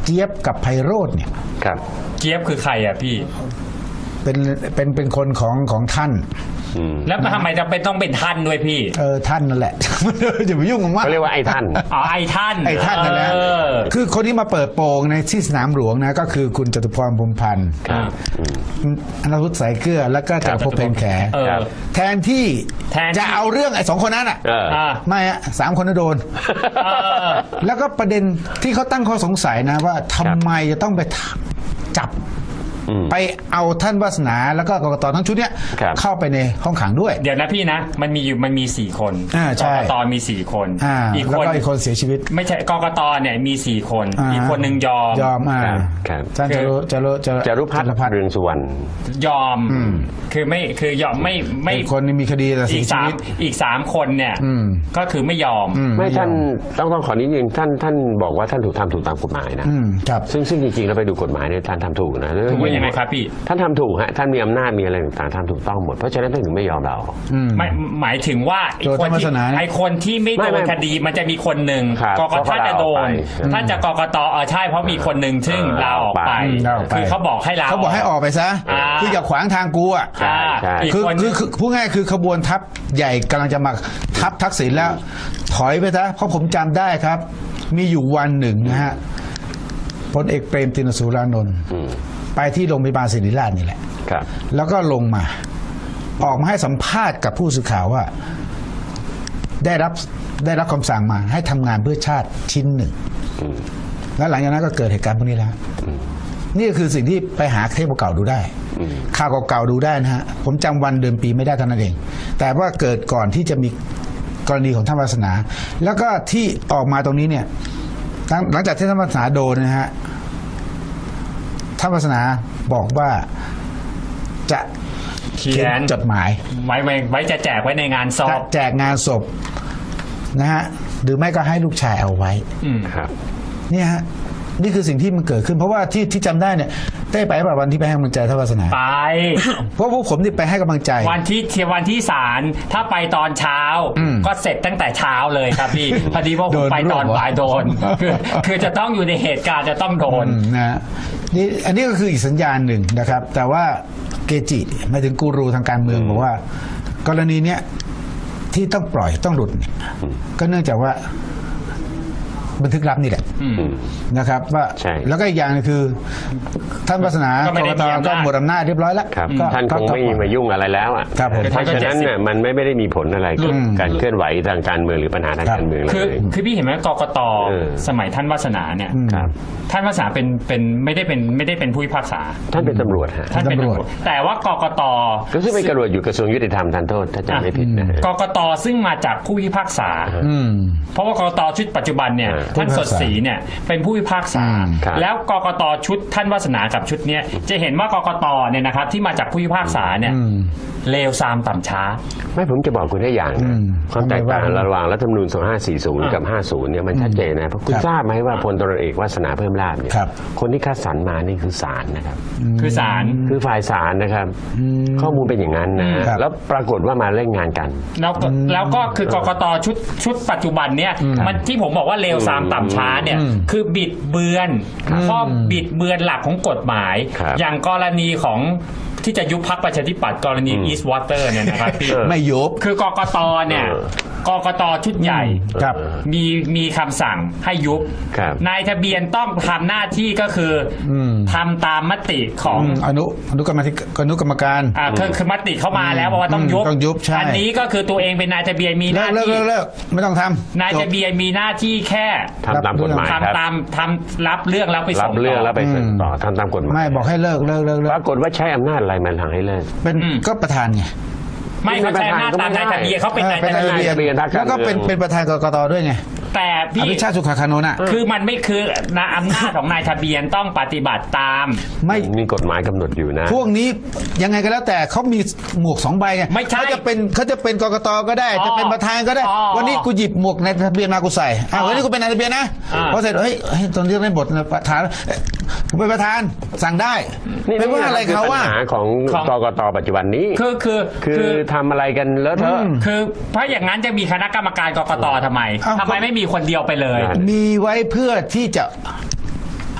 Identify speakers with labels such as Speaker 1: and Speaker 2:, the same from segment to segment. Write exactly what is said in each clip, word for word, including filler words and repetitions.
Speaker 1: เจี๊ยบกับไพโรจน์เนี่ย
Speaker 2: ครับ
Speaker 3: เจี๊ยบคือใครอ่ะพี่
Speaker 1: เป็นเป็นเป็นคนของของท่าน
Speaker 3: แล้วทำไมจะเป็นต้องเป็นท่านด้วยพี่
Speaker 1: เออท่านนั่นแหละอย่าไปยุ่งกับมัน
Speaker 2: เขาเรียกว่าไอ้ท่าน
Speaker 3: อ๋อไอ้ท่าน
Speaker 1: ไอ้ท่านนั่นแหละคือคนที่มาเปิดโปงในที่สนามหลวงนะก็คือคุณจตุพรพรหมพันธ์อนุรุตสายเกลือแล้วก็จักรภพเพ็ญแขแทนที่จะเอาเรื่องไอ้สองคนนั้นอ่ะไม่อะสามคนนั้นโดนแล้วก็ประเด็นที่เขาตั้งข้อสงสัยนะว่าทำไมจะต้องไปจับไปเอาท่านวาสนาแล้วก็กกตทั้งชุดเนี้ยเข้าไปในห้องขังด้วย
Speaker 3: เดี๋ยวนะพี่นะมันมีอยู่มันมีสี่คนกกตมีสี่คน
Speaker 1: อีกคนอีกคนเสียชีวิต
Speaker 3: ไม่ใช่กกตเนี่ยมีสี่คนอีกคนหนึ่งยอม
Speaker 1: ยอมอ่าท่านจารุจารุ
Speaker 2: จารุพัฒน์เรืองสุวรรณ
Speaker 3: ยอมคือไม่คือยอมไม่ไม่
Speaker 1: คนนี้มีคดีแต่เสียชีวิต
Speaker 3: อีกสามคนเนี่ยก็คือไม่ยอม
Speaker 2: ไม่ท่านต้องต้องขอนิดนึงท่านท่านบอกว่าท่านถูกทำถูกตามกฎหมายนะครับซึ่งซึ่งจริงๆแล้วไปดูกฎหมายเนี่ยท่านทำถูกนะ
Speaker 3: ยังไงครับพี่
Speaker 2: ท่านทำถูกฮะท่านมีอำนาจมีอะไรต่างๆทำถูกต้องหมดเพราะฉะนั้นท่านถึงไม่ยอมเรา
Speaker 3: หมายหมายถึงว่าไอ้คนที่ไอ้คนที่ไม่โดนคดีมันจะมีคนหนึ่งกกตถ้าจะโดนถ้าจะกกตเออใช่เพราะมีคนหนึ่งซึ่งลาออกไปคือเขาบอกให้ลา
Speaker 1: เขาบอกให้ออกไปซะคืออย่าขวางทางกูอ่ะคือคือพูดง่ายคือขบวนทัพใหญ่กำลังจะมาทัพทักษิณแล้วถอยไปซะเพราะผมจำได้ครับมีอยู่วันหนึ่งนะฮะพลเอกเปรมติณสูรานนท์ไปที่โรงพยาบาลศิริราชนี่แหละแล้วก็ลงมาออกมาให้สัมภาษณ์กับผู้สื่อข่าวว่าได้รับได้รับคำสั่งมาให้ทำงานเพื่อชาติชิ้นหนึ่งแล้วหลังจากนั้นก็เกิดเหตุการณ์พวกนี้แล้วนี่คือสิ่งที่ไปหาเทปเก่าดูได้ข่าวเก่าๆดูได้นะฮะผมจำวันเดือนปีไม่ได้เท่านั้นเองแต่ว่าเกิดก่อนที่จะมีกรณีของท่านวาสนาแล้วก็ที่ออกมาตรงนี้เนี่ยหลังจากที่ท่านวาสนาโดนนะฮะท่านวาสนาบอกว่าจะเขียนจดหมาย
Speaker 3: ไว้ไว้จะแจกไว้ในงานศพ
Speaker 1: แจกงานศพนะฮะหรือไม่ก็ให้ลูกชายเอาไว้
Speaker 2: ครับ
Speaker 1: นี่ฮะนี่คือสิ่งที่มันเกิดขึ้นเพราะว่าที่ที่จำได้เนี่ยได้ไปแบบวันที่ไปให้กำลังใจท่านวาสนา
Speaker 3: ไป
Speaker 1: เพราะพวกผมนี่ไปให้กำลังใจ
Speaker 3: วันที่เที่ยวันที่ศาลถ้าไปตอนเช้าก็เสร็จตั้งแต่เช้าเลยครับพี่พอดีว่าผมไปตอนบ่ายโดนคือคือจะต้องอยู่ในเหตุการณ์จะต้องโดน
Speaker 1: นะนี่อันนี้ก็คืออีกสัญญาณหนึ่งนะครับแต่ว่าเกจิหมายถึงกูรูทางการเมืองบอกว่ากรณีเนี้ยที่ต้องปล่อยต้องหลุดก็เนื่องจากว่าบันทึกลับนี่แหละนะครับว่าแล้วก็อีกอย่างนึงคือท่านวาสนากกตก็หมดอำนาจเรียบร้อยแล้ว
Speaker 2: ท่านคงไม่มายุ่งอะไรแล้วอ่ะเพราะฉะนั้นเนี่ยมันไม่ได้มีผลอะไรกับการเคลื่อนไหวทางการเมืองหรือปัญหาทางการเมืองเลย
Speaker 3: คือคือพี่เห็นไหมกกตสมัยท่านวาสนาเนี่ยท่านวาสนาเป็นเป็นไม่ได้เป็นไม่ได้เป็นผู้พิพากษา
Speaker 2: ท่านเป็นตำรวจฮะ
Speaker 3: ท่านเป็นตำรวจแต่ว่ากกต
Speaker 2: ก็คือเป็นตำรวจอยู่กระทรวงยุติธรรมทันโทษถ้าจำไม่ผิดนะ
Speaker 3: กกตซึ่งมาจากผู้พิพากษาเพราะว่ากกตชุดปัจจุบันเนี่ยท่านสดศรีเนี่ยเป็นผู้พิพากษาแล้วกกตชุดท่านวาสนากับชุดเนี้ยจะเห็นว่ากกตเนี่ยนะครับที่มาจากผู้พิพากษาเนี่ยเลวทรามต่ำช้า
Speaker 2: ไม่ผมจะบอกคุณได้อย่างความแตกต่างระหว่างรัฐธรรมนูญสองพันห้าร้อยสี่สิบกับห้าสิบเนี่ยมันชัดเจนนะเพราะคุณทราบไหมว่าพลตำรวจเอกวาสนาเพิ่มลาภเนี่ยคนที่คัดสรรมานี่คือศาลนะครับ
Speaker 3: คือศาล
Speaker 2: คือฝ่ายศาลนะครับข้อมูลเป็นอย่างนั้นนะแล้วปรากฏว่ามาเล่นงานกัน
Speaker 3: แล้วแล้วก็คือกกตชุดชุดปัจจุบันเนี่ยมันที่ผมบอกว่าเลวทรามต่ำช้าเนี่ยคือบิดเบือนข้อบิดเบือนหลักของกฎหมายอย่างกรณีของที่จะยุบพรรคประชาธิปัตย์กรณี East Water เนี่ยนะครับพี่
Speaker 1: ไม่ยุบ
Speaker 3: คือกกตเนี่ยกกตชุดใหญ่มีมีคำสั่งให้ยุบนายทะเบียนต้องทำหน้าที่ก็คือทำตามมติของ
Speaker 1: อนุอนุกรรมธิอนุกรรมการ
Speaker 3: อ่าคือคือมติเข้ามาแล้วว่าต้องยุบ
Speaker 1: ต้องยุบใช่
Speaker 3: อันนี้ก็คือตัวเองเป็นนายทะเบียนมีหน้าที่
Speaker 1: เลิกเลิกไม่ต้องท
Speaker 3: ำนายทะเบียนมีหน้าที่แค่
Speaker 2: ทำตามกฎหมาย
Speaker 3: ทำตามทำรับเรื่องแล้วไปส่ง
Speaker 2: รับเรื่องแล้วไปส่งต่อทำตามกฎหมาย
Speaker 1: ไม่บอกให้เลิกเลิกเลิก
Speaker 2: ปรากฏว่าใช้อำนาจอะไรมันทางให้เลิก
Speaker 1: เป็นก็ประธานไง
Speaker 3: ไม่เขาใช้อำนาจตามนายทะเบียนเขาเป็นนายทะเบียน
Speaker 1: แล้วก็เป็นเป็นประธานกกตด้วยไง
Speaker 3: แต่พี่
Speaker 1: อภิชาติสุขคานนท์อ่ะ
Speaker 3: คือมันไม่คืออำนาจของนายทะเบียนต้องปฏิบัติตาม
Speaker 2: ไม่มีกฎหมายกำหนดอยู่นะ
Speaker 1: พวกนี้ยังไงก็แล้วแต่เขามีหมวกสองใบไงเขาจะเป็นเขาจะเป็นกกตก็ได้จะเป็นประธานก็ได้วันนี้กูหยิบหมวกนายทะเบียนมากูใส่อ่าวันนี้กูเป็นนายทะเบียนนะพอเสร็จเฮ้ยตอนเรียกในบทประธานผมเป็นประธานสั่งได้ไม่ว่าอะไรเขาว่า
Speaker 2: ปัญหาของกกตปัจจุบันนี้
Speaker 3: คือคือ
Speaker 2: คือทำอะไรกันเลอะเทอะ
Speaker 3: คือเพราะอย่างนั้นจะมีคณะกรรมการกกตทำไมทำไมไม่มีคนเดียวไปเลย
Speaker 1: มีไว้เพื่อที่จะ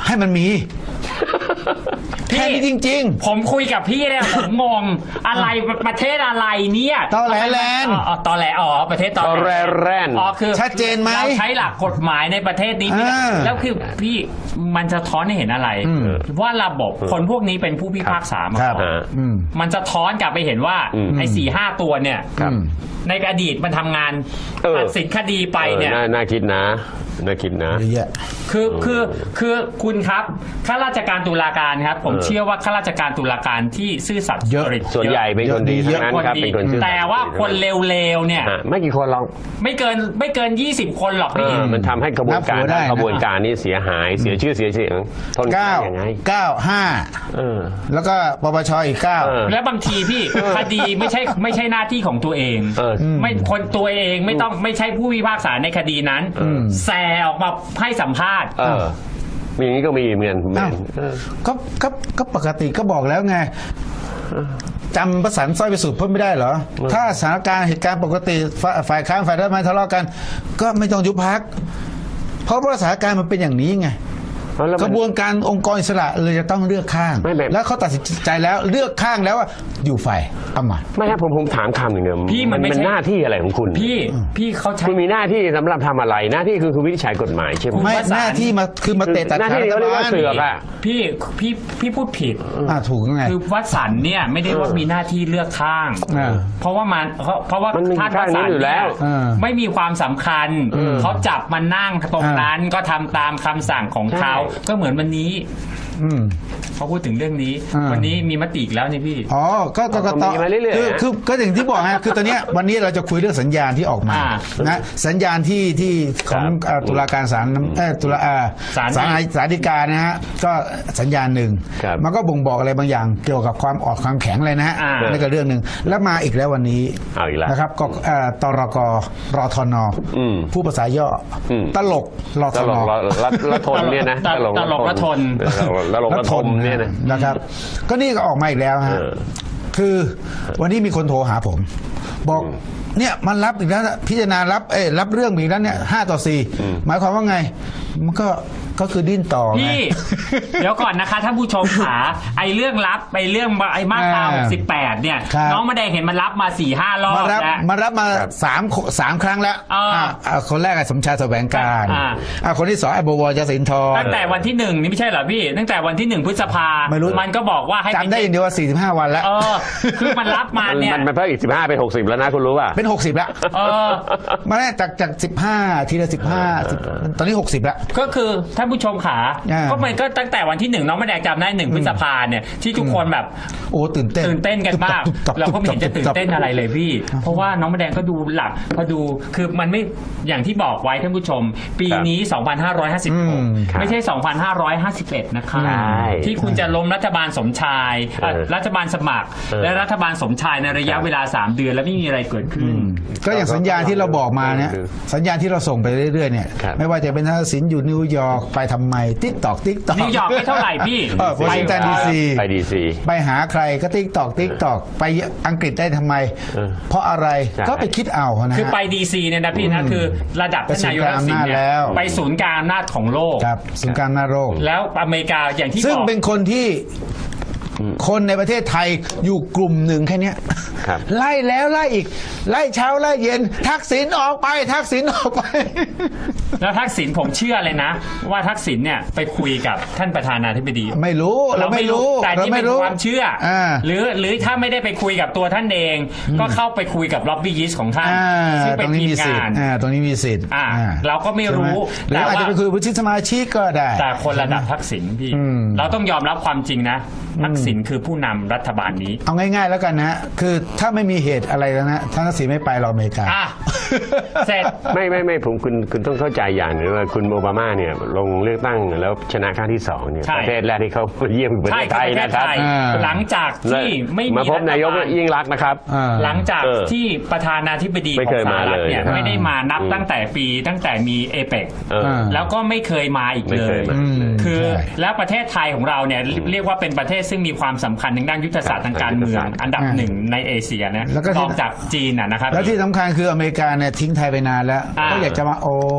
Speaker 1: ให้มันมี
Speaker 3: พี่
Speaker 1: แค่นี้จริง
Speaker 3: ผมคุยกับพี่เนี่ยผมงงอะไรประเทศอะไรเนี่ย
Speaker 1: ตอแหลแลนด์
Speaker 3: อ๋อตอแหลอ๋อประเทศตอ
Speaker 2: ตอแหลแลนด์
Speaker 3: อ๋อคือ
Speaker 1: ชัดเจนไหม
Speaker 3: เราใช้หลักกฎหมายในประเทศนี้พี่
Speaker 1: อ่า
Speaker 3: แล้วคือพี่มันจะท้อนให้เห็นอะไร
Speaker 1: อืม
Speaker 3: ว่าระบบคนพวกนี้เป็นผู้พิพากษามา
Speaker 1: ครับ
Speaker 3: ก่อน
Speaker 2: ฮะ
Speaker 1: อืม
Speaker 3: มันจะท้อนกลับไปเห็นว่า
Speaker 2: อืม
Speaker 3: ไอ้สี่ห้าตัวเนี่ย
Speaker 2: ครับ
Speaker 1: อืม
Speaker 3: ในอดีตมันทำงาน
Speaker 2: เออ
Speaker 3: ตัดสินคดีไปเนี่ย
Speaker 2: ออน่าน่าคิดนะน่าคิดนะ
Speaker 1: เยอะแยะ
Speaker 3: คือคือคือคุณครับข้าราชการตุลาการครับ ผม
Speaker 2: เออ
Speaker 3: เชื่อว่าข้าราชการตุลาการที่ซื่อสัตย์
Speaker 1: เยอะ
Speaker 3: สุจริต
Speaker 2: ส่วนใหญ่เป็นคนดี
Speaker 1: เย
Speaker 2: ทั้
Speaker 1: อะ
Speaker 2: งนั้นครับ
Speaker 3: ดี
Speaker 2: เป็นคนซื่อสัตย์
Speaker 3: แต่ว่าคนเลวๆเนี่ย
Speaker 2: ฮะไม่กี่คนหรอก
Speaker 3: ไม่เกินไม่เกินยี่สิบคนหรอก
Speaker 2: เอ
Speaker 3: พี่
Speaker 2: อมันทำให้กระบวนการ
Speaker 1: นับหัวได้นะ
Speaker 2: กระบวนการนี้เสียหายเสียชื่อเสียเสียงทน
Speaker 1: เก้า
Speaker 2: ยังไง
Speaker 1: เก้าห้า
Speaker 2: เออ
Speaker 1: แล้วก็ปปชอีกเก้า
Speaker 2: เออ
Speaker 3: และบางทีพี่คดีไม่ใช่ไม่ใช่หน้าที่ของตัวเอง
Speaker 2: เออ
Speaker 3: ไม่คนตัวเองไม่ต้องไม่ใช่ผู้พิพากษาในคดีนั้นแซออกมาให้สัมภาษณ์
Speaker 2: เออมีอย่างนี้ก็มีเหมือนเหมือ
Speaker 1: อ้าน ว
Speaker 2: เออ
Speaker 1: ก็ก็ก็ปกติก็บอกแล้วไงจำประสานสร้อยไปสุดเพิ่มไม่ได้เหรอ ถ้าสถานการณ์เหตุการณ์ปกติฝ่ายฝ่ายค้านฝ่ายรัฐบาลทะเลาะกัน ก็ไม่ต้องยุบพัก เพราะว่าสถานการณ์มันเป็นอย่างนี้ไง
Speaker 2: แล้ว
Speaker 1: ก
Speaker 2: มัน
Speaker 1: ระบวนการองค์กรอิสระเลยจะต้องเลือกข้าง
Speaker 2: ไม่แบบ
Speaker 1: แล้วเขาตัดสินใจแล้วเลือกข้างแล้วว่าอยู่ฝ่ายอำมาตย์
Speaker 2: ไม่ครับผมผมถามคำหนึ่งเนี่ย
Speaker 3: พี่มันไม่
Speaker 2: เป็น
Speaker 3: ใช่
Speaker 2: หน้าที่อะไรของคุณ
Speaker 3: พี่พี่เขาใช้
Speaker 2: คุณมีหน้าที่สำหรับทำอะไรหน้าที่คือคือวินิจฉัยกฎหมายใช่ไหม
Speaker 1: ไม่
Speaker 3: ประสาน
Speaker 1: หน้าที่มาคือมาเตะตัด
Speaker 2: หน้า
Speaker 1: ขา
Speaker 2: ที่
Speaker 1: รัฐ
Speaker 2: เขาเรียก
Speaker 1: บา
Speaker 2: ว่า
Speaker 1: ล
Speaker 2: เสือกอะ
Speaker 3: พี่พี่พี่พูดผิด
Speaker 1: อ่าถูกไง
Speaker 3: คือวัดสันเนี่ยไม่ได้ว่ามีหน้าที่เลือกข้าง
Speaker 1: อ่า
Speaker 3: เพราะว่ามันเพราะเพราะว่า
Speaker 2: มันมี
Speaker 3: ท่าน
Speaker 2: ข้างนี้
Speaker 3: วัดสัน
Speaker 2: อยู่แล้ว
Speaker 3: เนี่ย
Speaker 1: อ่า
Speaker 3: ไม่มีความสำคัญเขาจับมานั่งตรงนั้นก็ทำตามคำสั่งของเขา
Speaker 2: ใช่
Speaker 3: ก็เหมือนวันนี้
Speaker 1: อืม
Speaker 3: เขาพูดถึงเรื่องนี้
Speaker 1: อ่า
Speaker 3: วันนี้มีมติอีกแล้วนี่พี่
Speaker 1: อ๋อ ก็กกต
Speaker 2: มีมาเรื่อยๆ
Speaker 1: คือ
Speaker 2: ฮะ
Speaker 1: คือก็อย่างที่บอกฮะ คือตอนเนี้ยวันนี้เราจะคุยเรื่องสัญญาณที่ออกมา
Speaker 3: อ่า
Speaker 1: นะสัญญาณที่ที่ของ
Speaker 2: ครับ
Speaker 1: เอ่อตุลาการศาลน้ำเอ่อตุลาอ่า
Speaker 3: ศาล
Speaker 1: ศาลศาลฎีกานะฮะก็สัญญาณหนึ่ง
Speaker 2: ครับ
Speaker 1: มันก็บ่งบอกอะไรบางอย่างเกี่ยวกับความอ่อนความแข็งเลยนะฮะ
Speaker 3: อ่า
Speaker 1: นั่นก็เรื่องหนึ่งแล้วมาอีกแล้ววันนี้
Speaker 2: เอาอีกแล้ว
Speaker 1: นะครับก็เอ่อตรกรทน
Speaker 2: อืม
Speaker 1: ผู้ภาษาย่ออ
Speaker 2: ม
Speaker 1: ตลกร
Speaker 2: ต
Speaker 1: ท
Speaker 2: ล
Speaker 1: น
Speaker 2: กละละละทนเนี่ยนะ
Speaker 3: ตลกตลกละทน
Speaker 2: ตลกละทนเนี่ยนะ
Speaker 1: นะครับ ก็นี่ก็ออกมาอีกแล้วฮะ
Speaker 2: เออ
Speaker 1: คือวันนี้มีคนโทรหาผม บอกเนี่ยมันรับอีกแล้วนะพิจารณารับเอ้ยรับเรื่องอีกแล้วเนี่ยห้าต่อสี่หมายความว่าไง มันก็ก็คือดิ้นต่อไง
Speaker 3: พี่ เดี๋ยวก่อนนะคะท่านผู้ชมขาไอเรื่องรับไอเรื่องไอมาตรา
Speaker 1: อ่า
Speaker 3: หกสิบแปดเนี่ย
Speaker 1: ครับ
Speaker 3: น้องมาแดงเห็นมันรับมาสี่ห้ารอบ
Speaker 1: มารับ
Speaker 3: แล้ว
Speaker 1: มารับมาสามสามครั้งแล้ว
Speaker 3: อ่า
Speaker 1: อ่าอ่าคนแรกอะสมชายแสวงการ
Speaker 3: อ่า
Speaker 1: อ่าคนที่สองไอ้บวรยศินทร
Speaker 3: ตั้งแต่วันที่หนึ่งนี่ไม่ใช่เหรอพี่ ตั้งแต่วันที่หนึ่งพฤษภา
Speaker 1: ไม่รู้
Speaker 3: มันก็บอกว่าให้
Speaker 1: จำได้อย่างเดียวว่าสี่สิบห้าวันแล้ว
Speaker 3: เออ คือมันรับมา
Speaker 2: มัน
Speaker 3: เนี่ย
Speaker 2: มันมันเพิ่มอีกสิบห้าเป็นหกสิบแล้วนะคุณรู้ป่ะ
Speaker 1: เป็นหกสิบแล้ว
Speaker 3: เออ
Speaker 1: มาได้จากจากสิบห้าทีละสิบห้าตอนนี้หกสิบแล้ว
Speaker 3: ก็คือท่านผู้ชมขา
Speaker 1: อ่า
Speaker 3: ก็มันก็ตั้งแต่วันที่หนึ่งน้องมาแดงจำได้หนึ่งพฤษภาเนี่ยที่ทุกคนแบบ
Speaker 1: โอ้ตื่นเต้น
Speaker 3: ตื่นเต้นกันมาก
Speaker 1: ตุ๊บตับ
Speaker 3: เราก็ไม่
Speaker 1: ตุ๊บตับ
Speaker 3: เห็นจะตื่นเต้นอะไรเลยพี่ เพราะว่าน้องมะแดงก็ดูหลักพอดูคือมันไม่อย่างที่บอกไว้ท่านผู้ชม ปีนี้ สองพันห้าร้อยห้าสิบหก
Speaker 1: อืม
Speaker 3: ไม่ใช่ สองพันห้าร้อยห้าสิบเอ็ด นะคะ
Speaker 2: ใช่
Speaker 3: ที่คุณจะล้มรัฐบาลสมชายเอ่อ
Speaker 2: เออ
Speaker 3: รัฐบาลสมัคร
Speaker 2: เออ
Speaker 3: และรัฐบาลสมชายในระยะเวลา สาม เดือนแล้วไม่มีอะไรเกิดขึ้น
Speaker 1: ก็อย่างสัญญาณที่เราบอกมาเนี่ย
Speaker 2: คือ
Speaker 1: สัญญาณที่เราส่งไปเรื่อยๆเนี่ย
Speaker 2: ครับ
Speaker 1: ไม่ว่าจะเป็นทักษิณอยู่นิวยอร์กไปทำไมติ๊กตอกติ๊กตอก
Speaker 3: นิวยอร์กไม่เท่าไหร่พี่
Speaker 1: เออวอชิงตันดีซี
Speaker 2: ไปดีซี
Speaker 1: ไปหาใครก็ติ๊กตอกติ๊กตอกไปอังกฤษได้ทำไม
Speaker 2: เออ
Speaker 1: เพราะอะไร
Speaker 2: ใช่
Speaker 1: ก็ไปคิดเอานะฮะ
Speaker 3: คือไปดีซีเนี่ยนะพี่นะคือระดับท่านนายกทักษิณเนี่ย
Speaker 1: ไปศูนย์กลางอำนาจแล้ว
Speaker 3: ไปศูนย์กลางอำนาจของโลก
Speaker 1: ครับศูนย์กลางหน้าโรค
Speaker 3: แล้วอเมริกาอย่างที่
Speaker 1: ซึ่ง
Speaker 3: บอก
Speaker 1: เป็นคนที่คนในประเทศไทยอยู่กลุ่มหนึ่งแค่เนี้ย
Speaker 2: ครับ
Speaker 1: ไล่แล้วไล่อีก ไล่เช้าไล่เย็น ทักษิณออกไป ทักษิณออกไป
Speaker 3: แล้วทักษิณผมเชื่อเลยนะ ว่าทักษิณเนี่ยไปคุยกับท่านประธานาธิบดี
Speaker 1: ไม่รู้เราไม่รู้
Speaker 3: แต่
Speaker 1: เรา
Speaker 3: นี่
Speaker 1: ไม่
Speaker 3: เป็น
Speaker 1: รู้
Speaker 3: ความเชื่ออา หรือหรือถ้าไม่ได้ไปคุยกับตัวท่านเอง ก็เข้าไปคุยกับล็อบบี้ยิสต์ของท่าน
Speaker 1: อ่า
Speaker 3: ซึ่ง
Speaker 1: ต
Speaker 3: เป็
Speaker 1: ร
Speaker 3: น
Speaker 1: งนี้
Speaker 3: ทีม
Speaker 1: มีสิท
Speaker 3: งาน
Speaker 1: ธิ์อ่าตรงนี้มีสิทธิ์
Speaker 3: อ่า
Speaker 1: อ่
Speaker 3: เราก็ไม่รู้
Speaker 1: ใช่ไหมหรืออาจจะไปคุยกับวุฒิสมาชิกก็ได้
Speaker 3: แต่คนระดับทักษิณพี่
Speaker 1: อืม
Speaker 3: เราต้องยอมรับความจริงนะทักษิณคือผู้นำรัฐบาลนี้
Speaker 1: เอาง่ายๆแล้วกันนะฮะคือถ้าไม่มีเหตุอะไรแล้วนะท่านทักษิณไม่ไปหรอกอเมริกา
Speaker 3: อ่ะเสร็จ
Speaker 2: ไม่ไม่ไม่ผมคุณคุณต้องเข้าใจอย่างหนึงว่าคุณโอบามาเนี่ยลงเลือกตั้งแล้วชนะครั้งที่สองเนี่ย
Speaker 3: ใช่
Speaker 2: ประเทศแรกที่เขาเยี่ยมคือประ
Speaker 3: ใช่
Speaker 2: เทศไทยนะครับ
Speaker 1: อ่า
Speaker 3: หลังจากที่ไม่มี
Speaker 2: มาพบนายก
Speaker 3: รัฐบล
Speaker 2: ยิ่งรักษณ์นะครับ
Speaker 1: อ่า
Speaker 3: หลังจาก
Speaker 2: เออ
Speaker 3: ที่ประธานาธิบดี
Speaker 2: ไม่
Speaker 3: ขอ
Speaker 2: เค
Speaker 3: ง
Speaker 2: ย
Speaker 3: สห
Speaker 2: มา
Speaker 3: รัฐเนี่ย
Speaker 2: เลย
Speaker 3: ไม่ได้มานับ
Speaker 2: อืม
Speaker 3: ตั้งแต่ปีตั้งแต่มีเอเปก
Speaker 2: เออ
Speaker 3: แล้วก็ไม่เคยมาอีก
Speaker 2: ไม่
Speaker 3: เล
Speaker 2: เค
Speaker 3: ย
Speaker 2: ยมา
Speaker 1: อืม
Speaker 3: คือ
Speaker 1: ใช่
Speaker 3: แล้วประเทศไทยของเราเนี่ยเรียกว่าเป็นประเทศซึ่งมีความสำคัญทางด้านยุทธศาสตร์ทางการเมือง อันดับหนึ่งในเอเชียนะ
Speaker 1: แล้วก็ที่
Speaker 3: รองจากจีนนะนะครับ
Speaker 1: แล้วที่สำคัญคืออเมริกาเนี่ยทิ้งไทยไปนานแล้ว
Speaker 3: อ่า
Speaker 1: ก็อยากจะมาโอ้ย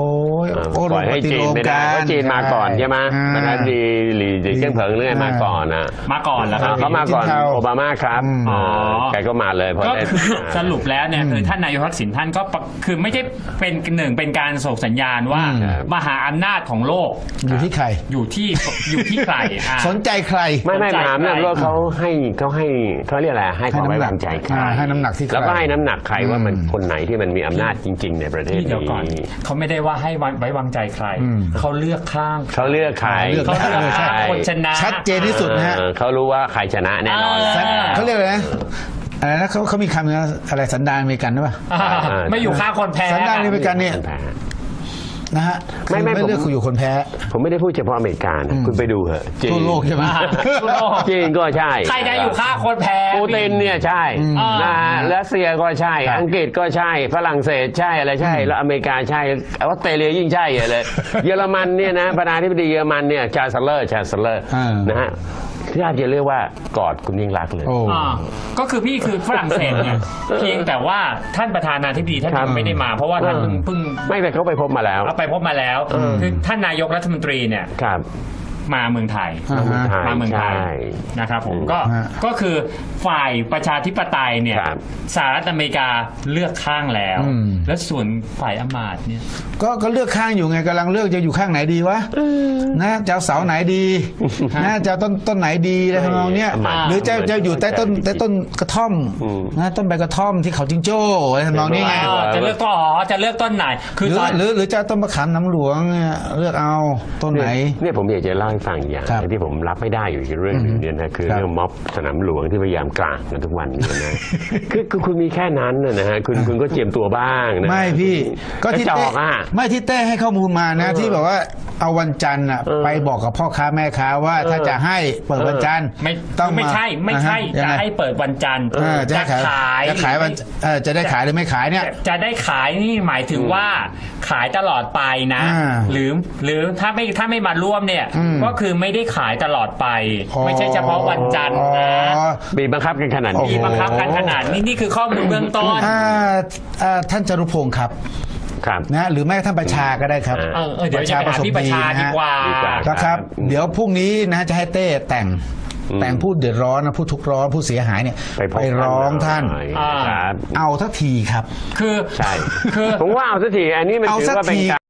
Speaker 1: โอ้
Speaker 2: ปล่อยให้จีนไม่ได้เพราะจีนมาก่อนใช่ไหมประธานาธิบดีหลีเจิ้งเผิงเรื่องมาก่อนนะ
Speaker 3: มาก่อนแล้วครับ
Speaker 2: เขามาก่อนโอบามาครับอ๋อแกก็มาเลยพอ
Speaker 3: ก็
Speaker 2: ได้
Speaker 3: คือสรุปแล้วเนี่ยคือท่านนายกทักษิณท่านก็ปะคือไม่ใช่เป็นหนึ่งเป็นการส่งสัญญาณว่ามหาอำนาจของโลก
Speaker 1: อยู่ที่ใคร
Speaker 3: อยู่ที่อยู่ที่ใครอ่ะ
Speaker 1: สนใจใคร
Speaker 2: ไม่ไม่มหาอำนาจโลกเขาให้เขาให้เขาเรียกอะไรให้ความไว้วางใจใคร
Speaker 1: ให้น้ำหนักที่ใคร
Speaker 2: แล้วก็ให้น้ำหนักใครว่ามันคนไหนที่มันมีอำนาจจริง ๆ ในประเทศ
Speaker 3: เดี๋ยวก่อน
Speaker 2: นี้
Speaker 3: เขาไม่ได้ว่าให้ไว้วางใจใคร เขาเลือกข้าง
Speaker 2: เขาเลือกใคร
Speaker 1: เลือก
Speaker 3: เขาเลือกข้างคนชนะ
Speaker 1: ชัดเจนที่สุดนะฮะ
Speaker 2: เออเขารู้ว่าใครชนะแน่นอน
Speaker 3: อ่า
Speaker 1: เขาเรียกอะไรนะอะไรนะเขาเขามีคำนะอะไรสันดานอเมริกันหรือเปล่า
Speaker 3: อ่าไม่อยู่ข้างคนแพ้
Speaker 1: สันดานอเมริกันเนี่ยนะฮะ
Speaker 2: ไม่ไม่
Speaker 1: คือ
Speaker 2: ผม
Speaker 1: เลือกคุณอยู่คนแพ้
Speaker 2: ผมไม่ได้พูดเฉพาะอเมริกานะคุณไปดูเหอะจีน
Speaker 1: ทั่วโลกใช่ไหม
Speaker 3: ทั่วโลก
Speaker 2: จีนก็ใช่
Speaker 3: ใครได้อยู่ข้างคนแพ้
Speaker 2: ปูตินเนี่ยใช่
Speaker 3: อ่าน
Speaker 2: นะฮะรัสเซียก็ใช่
Speaker 1: ครับ
Speaker 2: อังกฤษก็ใช่ ฝรั่งเศสใช่อะไรใช่ แล้วอเมริกาใช่ออสเตรเลียยิ่งใช่ใหญ่เลย เยอรมันเนี่ยนะประธานาธิบดีเยอรมันเนี่ยชาสเลอร์ชาสเลอร์
Speaker 1: อ่าน
Speaker 2: นะฮะที่อาจจะเรียกว่ากอดคุณยิ่งรักษณ์เลย
Speaker 1: โอ้
Speaker 3: อ่าก็คือพี่คือฝรั่งเศสเนี่ยเพียงแต่ว่าท่านประธานาธิบดีท่าน
Speaker 2: ครับ
Speaker 3: ยังไม่ได้มา เพราะว่าท่านเพิ่งเพิ่ง
Speaker 2: ไม่แต่เขาไปพบมาแล้ว
Speaker 3: เอาไปพบมาแล้วคือท่านนายกรัฐมนตรีเนี่ย
Speaker 2: ครับ
Speaker 3: มาเมืองไทย
Speaker 1: อ่าฮะ
Speaker 3: มาเมืองไทย
Speaker 2: ใช่
Speaker 3: นะครับผมก็
Speaker 1: ฮะ
Speaker 3: ก็คือฝ่ายประชาธิปไตยเนี่ย
Speaker 2: ครับ
Speaker 3: สหรัฐอเมริกาเลือกข้างแล้ว
Speaker 1: อืม
Speaker 3: แล้วส่วนฝ่ายอำมาตย์เนี่ย
Speaker 1: ก็ก็เลือกข้างอยู่ไงกำลังเลือกจะอยู่ข้างไหนดีวะนะจะเอาเสาไหนดีนะจะเอาต้นต้นไหนดีอะไรทำนองเนี้ย
Speaker 2: อ่า
Speaker 1: หรือจะจะอยู่ใต้ต้นใต้ต้นกระท่อม
Speaker 2: อืม
Speaker 1: นะต้นใบกระท่อมที่เขาจิงโจ้อะไรทำนองนี้ไง
Speaker 3: เออจะเลือกต้นอ๋อจะเลือกต้นไหน
Speaker 1: ห
Speaker 3: คือ
Speaker 1: รือ
Speaker 3: ตอน
Speaker 1: หรือหรือจะเอาต้นมะขามน้ำหลวงเนี่ยเลือกเอาต้นไหน
Speaker 2: เนี่ยผมอยากจะเล่าให้ฟังอย่าง
Speaker 1: ครับ
Speaker 2: ที่ผมรับไม่ได้อยู่อีกเรื่องหนึ่งเนี่ยนะคือ
Speaker 1: ครับ
Speaker 2: เรื่องม็อบสนามหลวงที่พยายามกลางกันทุกวันเนี่ยนะ คือคือคุณมีแค่นั้นนะนะฮะคุณคุณก็เจียมตัวบ้างนะ
Speaker 1: ไม่พี่ก็ที่
Speaker 2: กระจ
Speaker 1: เต้
Speaker 2: อกอ่ะ
Speaker 1: ไม่ที่เต้ให้ข้อมูลมานะ ที่แบบว่าเอาวันจันทร์น่ะ
Speaker 2: เออ
Speaker 1: ไปบอกกับพ่อค้าแม่ค้าว่าถ้าจะให้เปิดวันจันทร์
Speaker 3: ไม่
Speaker 1: ต้อง
Speaker 3: ไม่ใช่ไม่ใช่
Speaker 1: อ่า
Speaker 3: จะ
Speaker 1: ฮะ
Speaker 3: ให้เปิดวันจันทร์
Speaker 1: เออจะให้ขาย
Speaker 3: ขาย
Speaker 1: จะขายวันเออจะได้ขายหรือไม่ขายเนี่ย
Speaker 3: จะจะได้ขายนี่หมายถึงว่าขายตลอดไปนะ
Speaker 1: อ่า
Speaker 3: หรือหรือถ้าไม่ถ้าไม่มาร่วมเนี่ย
Speaker 1: อืม
Speaker 3: ก็คือไม่ได้ขายตลอดไป
Speaker 1: อ๋อ
Speaker 3: ไม่ใช่เฉพาะวันจันทร์นะ
Speaker 1: อ๋อ
Speaker 2: บีบบังคับกันขนาด
Speaker 1: โอ้
Speaker 2: นี้
Speaker 3: มีบังคับกันขนาดนี้นี่คือข้อมูลเบื้องต้น
Speaker 1: อ่าอ่าท่านจรุพงศ์ครับ
Speaker 2: ครับ
Speaker 1: นะหรือแม้กระท่านประชาก็ได้ครับ
Speaker 3: เออเออเดี๋ยวจะไปหาพี่ประชาดีกว่า
Speaker 2: ดีกว่า
Speaker 1: นะครับ เดี๋ยวพรุ่งนี้นะจะให้เต้แต่ง
Speaker 2: อืม
Speaker 1: แต่งผู้เดือดร้อนนะผู้ทุกข์ร้อนผู้เสียหายเนี่ย
Speaker 2: ไปพบ
Speaker 1: ร้องท่าน
Speaker 2: หอย
Speaker 3: อ่า
Speaker 2: ครับ
Speaker 1: เอาทักทีครับ
Speaker 3: คือ
Speaker 2: ใช่
Speaker 3: คือ
Speaker 2: ผมว่าเอาสักทีอันนี้มัน
Speaker 1: เอา
Speaker 2: ถือ
Speaker 1: สัก
Speaker 2: ว่าเป็น
Speaker 1: ที
Speaker 2: การ